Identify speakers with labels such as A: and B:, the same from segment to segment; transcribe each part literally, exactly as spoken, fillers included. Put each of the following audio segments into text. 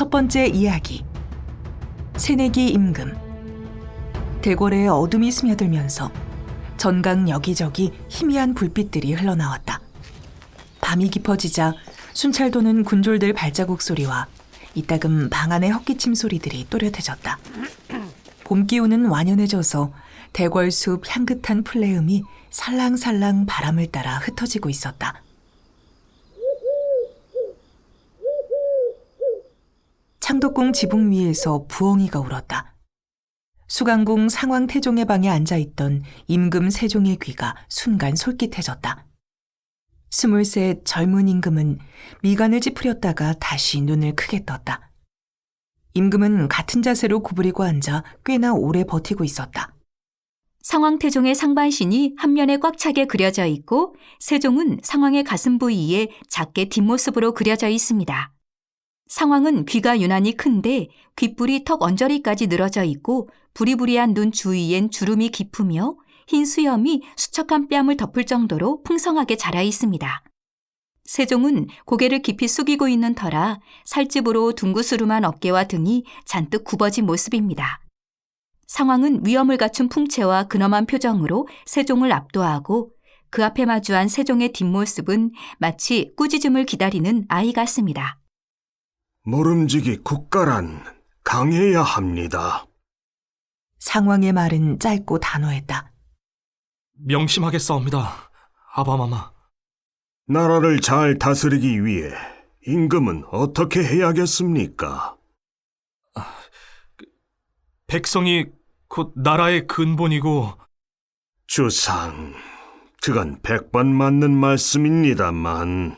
A: 첫 번째 이야기. 새내기 임금. 대궐에 어둠이 스며들면서 전강 여기저기 희미한 불빛들이 흘러나왔다. 밤이 깊어지자 순찰 도는 군졸들 발자국 소리와 이따금 방 안의 헛기침 소리들이 또렷해졌다. 봄 기운은 완연해져서 대궐숲 향긋한 풀내음이 살랑살랑 바람을 따라 흩어지고 있었다. 창덕궁 지붕 위에서 부엉이가 울었다. 수강궁 상왕태종의 방에 앉아있던 임금 세종의 귀가 순간 솔깃해졌다. 스물셋 젊은 임금은 미간을 찌푸렸다가 다시 눈을 크게 떴다. 임금은 같은 자세로 구부리고 앉아 꽤나 오래 버티고 있었다.
B: 상왕태종의 상반신이 한 면에 꽉 차게 그려져 있고 세종은 상왕의 가슴 부위에 작게 뒷모습으로 그려져 있습니다. 상왕은 귀가 유난히 큰데 귓불이 턱 언저리까지 늘어져 있고 부리부리한 눈 주위엔 주름이 깊으며 흰 수염이 수척한 뺨을 덮을 정도로 풍성하게 자라 있습니다. 세종은 고개를 깊이 숙이고 있는 터라 살집으로 둥구스름한 어깨와 등이 잔뜩 굽어진 모습입니다. 상왕은 위엄을 갖춘 풍채와 근엄한 표정으로 세종을 압도하고 그 앞에 마주한 세종의 뒷모습은 마치 꾸짖음을 기다리는 아이 같습니다.
C: 모름지기 국가란 강해야 합니다.
A: 상왕의 말은 짧고 단호했다.
D: 명심하겠사옵니다, 아바마마.
C: 나라를 잘 다스리기 위해 임금은 어떻게 해야겠습니까?
D: 백성이 곧 나라의 근본이고.
C: 주상, 그건 백번 맞는 말씀입니다만.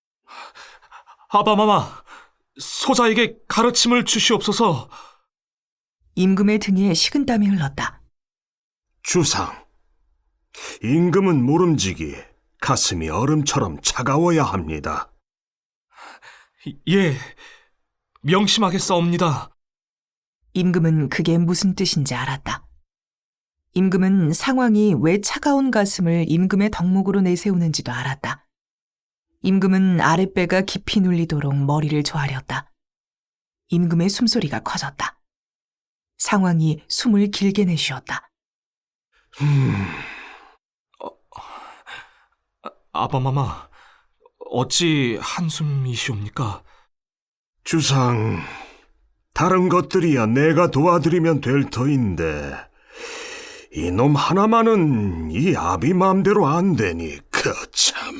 D: 아바마마, 소자에게 가르침을 주시옵소서.
A: 임금의 등에 식은땀이 흘렀다.
C: 주상, 임금은 모름지기 가슴이 얼음처럼 차가워야 합니다.
D: 예, 명심하겠사옵니다.
A: 임금은 그게 무슨 뜻인지 알았다. 임금은 상왕이 왜 차가운 가슴을 임금의 덕목으로 내세우는지도 알았다. 임금은 아랫배가 깊이 눌리도록 머리를 조아렸다. 임금의 숨소리가 커졌다. 상왕이 숨을 길게 내쉬었다.
C: 음...
D: 아바마마, 어찌 한숨이시옵니까?
C: 주상, 다른 것들이야 내가 도와드리면 될 터인데 이놈 하나만은 이 아비 마음대로 안 되니 그 참...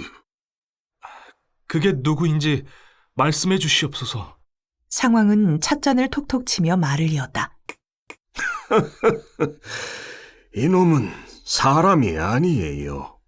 D: 그게 누구인지 말씀해 주시옵소서.
A: 상왕은 찻잔을 톡톡 치며 말을 이었다.
C: 이놈은 사람이 아니에요.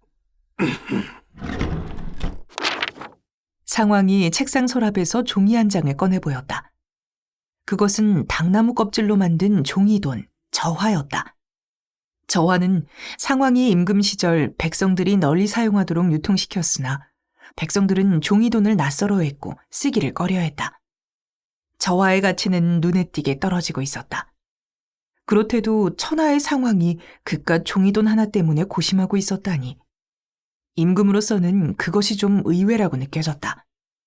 A: 상왕이 책상 서랍에서 종이 한 장을 꺼내 보였다. 그것은 당나무 껍질로 만든 종이돈, 저화였다. 저화는 상왕이 임금 시절 백성들이 널리 사용하도록 유통시켰으나 백성들은 종이돈을 낯설어했고 쓰기를 꺼려했다. 저화의 가치는 눈에 띄게 떨어지고 있었다. 그렇대도 천하의 상황이 그깟 종이돈 하나 때문에 고심하고 있었다니 임금으로서는 그것이 좀 의외라고 느껴졌다.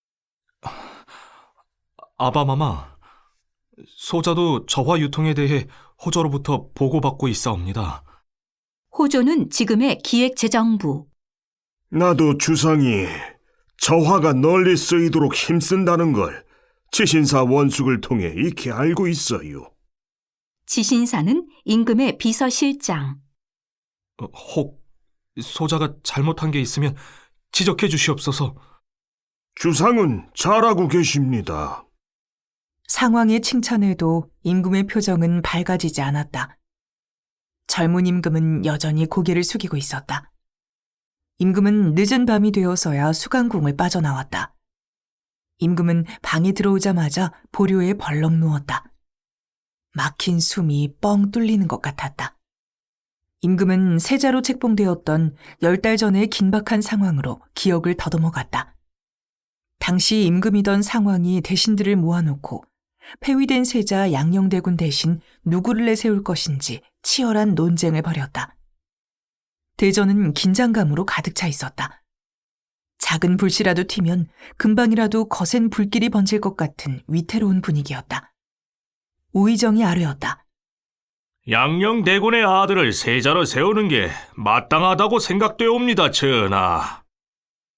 D: 아바마마, 소자도 저화 유통에 대해 호조로부터 보고받고 있사옵니다.
B: 호조는 지금의 기획재정부.
C: 나도 주상이 저화가 널리 쓰이도록 힘쓴다는 걸 지신사 원숙을 통해 익히 알고 있어요.
B: 지신사는 임금의 비서실장.
D: 어, 혹 소자가 잘못한 게 있으면 지적해 주시옵소서.
C: 주상은 잘하고 계십니다.
A: 상왕의 칭찬에도 임금의 표정은 밝아지지 않았다. 젊은 임금은 여전히 고개를 숙이고 있었다. 임금은 늦은 밤이 되어서야 수강궁을 빠져나왔다. 임금은 방에 들어오자마자 보료에 벌렁 누웠다. 막힌 숨이 뻥 뚫리는 것 같았다. 임금은 세자로 책봉되었던 열 달 전의 긴박한 상황으로 기억을 더듬어갔다. 당시 임금이던 상황이 대신들을 모아놓고 폐위된 세자 양녕대군 대신 누구를 내세울 것인지 치열한 논쟁을 벌였다. 대전은 긴장감으로 가득 차 있었다. 작은 불씨라도 튀면 금방이라도 거센 불길이 번질 것 같은 위태로운 분위기였다. 우의정이 아뢰었다.
E: 양녕대군의 아들을 세자로 세우는 게 마땅하다고 생각되옵니다, 전하.